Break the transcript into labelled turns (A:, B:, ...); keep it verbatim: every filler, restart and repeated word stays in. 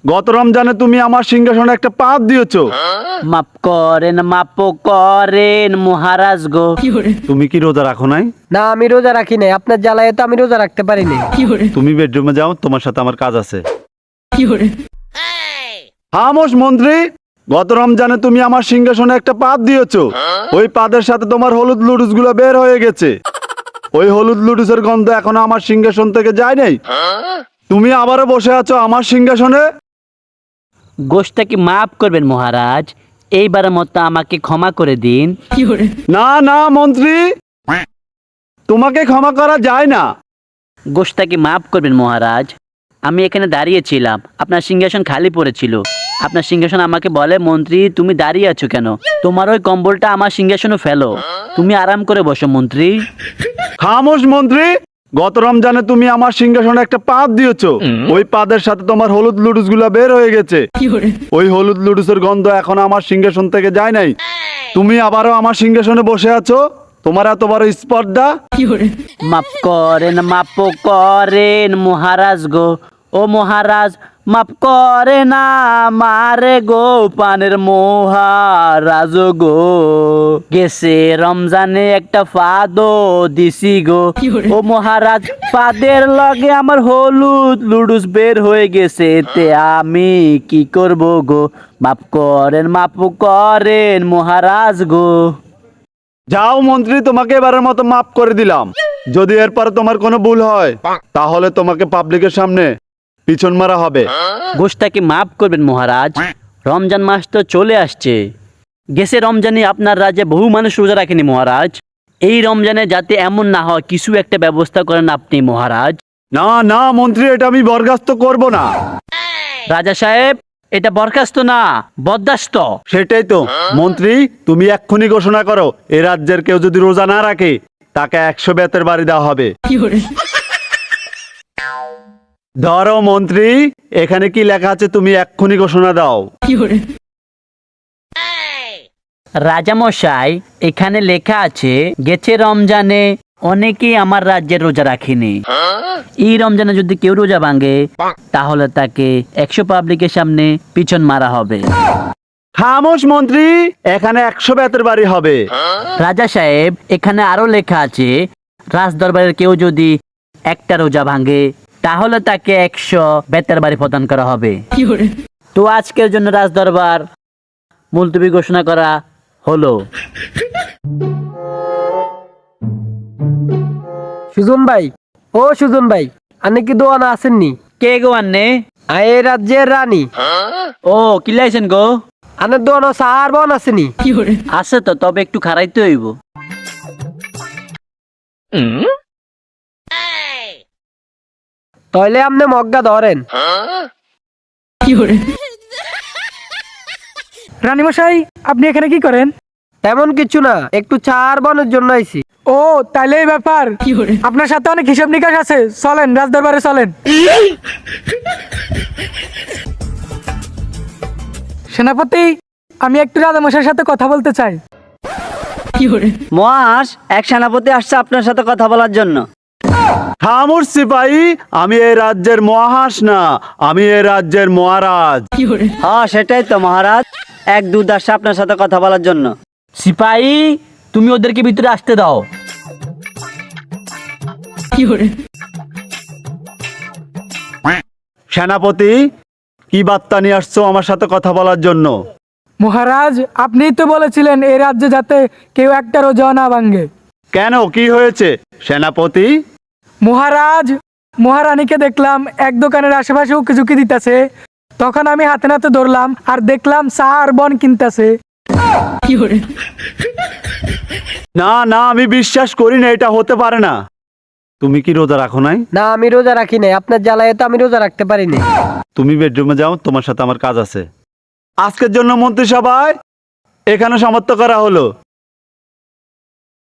A: গত রমজানে তুমি আমার সিংহাসনে একটা পাপ দিয়েছো।
B: মাপ করেন মাপ করেন মহারাজ গো।
A: তুমি কি রোজা রাখো নাই?
C: না, আমি রোজা রাখি নাই, আপনার জ্বালায় তো আমি রোজা রাখতে পারি নাই।
A: তুমি বেডরুমে যাও, তোমার সাথে আমার কাজ আছে। খামোশ মন্ত্রী, গত রমজানে তুমি আমার সিংহাসনে একটা পাত দিয়েছো। ওই পাদের সাথে তোমার হলুদ লুডুস গুলো বের হয়ে গেছে। ওই হলুদ লুডুসের গন্ধ এখনো আমার সিংহাসন থেকে যায় নাই। তুমি আবারও বসে আছো আমার সিংহাসনে।
B: গোষ্ঠটাকে মাফ করবেন মহারাজ, এইবারের মতো আমাকে ক্ষমা করে দিন।
A: না না মন্ত্রী, তোমাকে ক্ষমা করা যায় না।
B: গোষ্ঠটাকে মাফ করবেন মহারাজ, আমি এখানে দাঁড়িয়েছিলাম, আপনার সিংহাসন খালি পড়েছিল। আপনার সিংহাসন আমাকে বলে, মন্ত্রী তুমি দাঁড়িয়ে আছো কেন, তোমার ওই কম্বলটা আমার সিংহাসনে ফেলো, তুমি আরাম করে বসো মন্ত্রী।
A: খামোশ মন্ত্রী, গত রমজানে তুমি আমার সিংহাসনে একটা পাত দিয়েছো। ওই পাদের সাথে তোমার হলুদ লুডুস গুলা বের হয়ে গেছে। ওই হলুদ লুডুসের গন্ধ এখন আমার সিংহাসন থেকে যায় নাই। তুমি আবারও আমার সিংহাসনে বসে আছো, তোমার এত বড় স্পর্ধা।
B: মাফ করেন মাফ করেন মহারাজ গো, ও মহারাজ মাফ করে না মারে গো, পানের মহারাজ গো। গেছে রমজানে একটা ফাদো দিছি গো, ও মহারাজ ফাদের লগে আমার হলুদ লুডুস বের হয়ে গেছে, এতে আমি কি করব গো। মাফ করেন মাফ করেন মহারাজ গো।
A: যাও মন্ত্রী, তোমাকে এবারের মতো মাফ করে দিলাম। যদি এরপরে তোমার কোনো ভুল হয় তাহলে তোমাকে পাবলিকের সামনে পিছন মারা হবে।
B: গোষ্ঠটাকে মাফ করবেন মহারাজ, রমজান মাস তো চলে আসছে। গেছে রমজানে আপনার রাজ্যে বহু মানুষ রোজা রাখেনি মহারাজ, এই রমজানে যাতে এমন না হয় কিছু একটা ব্যবস্থা করেন আপনি মহারাজ।
A: না না মন্ত্রী, এটা আমি বরখাস্ত করব না।
B: রাজা সাহেব, এটা বরখাস্ত না, বরদাস্ত।
A: সেটাই তো মন্ত্রী, তুমি এক্ষুনি ঘোষণা করো, এ রাজ্যের কেউ যদি রোজা না রাখে তাকে একশো বেতের বাড়ি দেওয়া হবে। ধরো মন্ত্রী, এখানে কি লেখা আছে তুমি এক্ষুনি ঘোষণা দাও।
B: রাজামশাই, এখানে লেখা আছে গেছে রমজানে অনেকেই আমার রাজ্যের রোজা রাখেনি, এই রমজানে যদি কেউ রোজা ভাঙে তাহলে তাকে একশো পাবলিকের সামনে পিছন মারা হবে।
A: খামোশ মন্ত্রী, এখানে একশো বেতের বাড়ি হবে।
B: রাজা সাহেব, এখানে আরো লেখা আছে রাজ দরবারের কেউ যদি একটা রোজা ভাঙে তাহলে তাকে একশো বেতের বাড়ি প্রদান করা হবে। তো আজকের জন্য রাজ দরবার মুলতবি ঘোষণা করা হলো।
C: সুজন ভাই, ও সুজন ভাই, আপনি কি দোয়ানা আসেননি?
B: কে গো আন্নে?
C: আয় এই রাজ্যের রানী।
B: ও কিলাইছেন গো?
C: আনের দোয়ানো সার বন আসেনি?
B: আছে তো, তবে একটু খারাইতে হইব।
C: তাহলে আপনি মগ্গা ধরেন।
D: রানীমশাই, আপনি এখানে কি করেন?
C: তেমন কিছু না, একটু চার বনের জন্য আইছি।
D: ও তাইলে এই ব্যাপার, আপনার সাথে অনেক হিসাব নিকাশ আছে, চলেন রাজদরবারে চলেন। সেনাপতি, আমি একটু রাজামশাইয়ের সাথে কথা বলতে চাই।
B: মহারাজ, এক সেনাপতি আসছে আপনার সাথে কথা বলার জন্য।
A: খামোশ সিপাহী, আমি এই রাজ্যের মহাস না, আমি এই রাজ্যের মহারাজ।
B: হ্যাঁ সেটাই তো মহারাজ, এক দূত আসছে আপনার সাথে কথা বলার জন্য। সিপাহী, তুমি ওদেরকে ভিতরে আসতে দাও।
A: সেনাপতি, কি বার্তা নিয়ে আসছো আমার সাথে কথা বলার জন্য?
D: মহারাজ, আপনিই তো বলেছিলেন এই রাজ্যে যাতে কেউ একটা রোজা না ভাঙে।
A: কেন, কি হয়েছে সেনাপতি?
D: মহারাজ, মহারানীকে দেখলাম এক দোকানের আশেপাশে উকি ঝুঁকি দিতেছে, তখন আমি হাতে নাতে ধরলাম আর দেখলাম চা আর বন কিনতেছে।
A: না না, আমি বিশ্বাস করি না, এটা হতে পারে না। তুমি কি রোজা রাখো নাই?
C: না, আমি রোজা রাখি নাই, আপনার জ্বালায় তো আমি রোজা রাখতে পারি নাই।
A: তুমি বেডরুমে যাও, তোমার সাথে আমার কাজ আছে। আজকের জন্য মন্ত্রিসভায় এখানে সমাপ্ত করা হলো।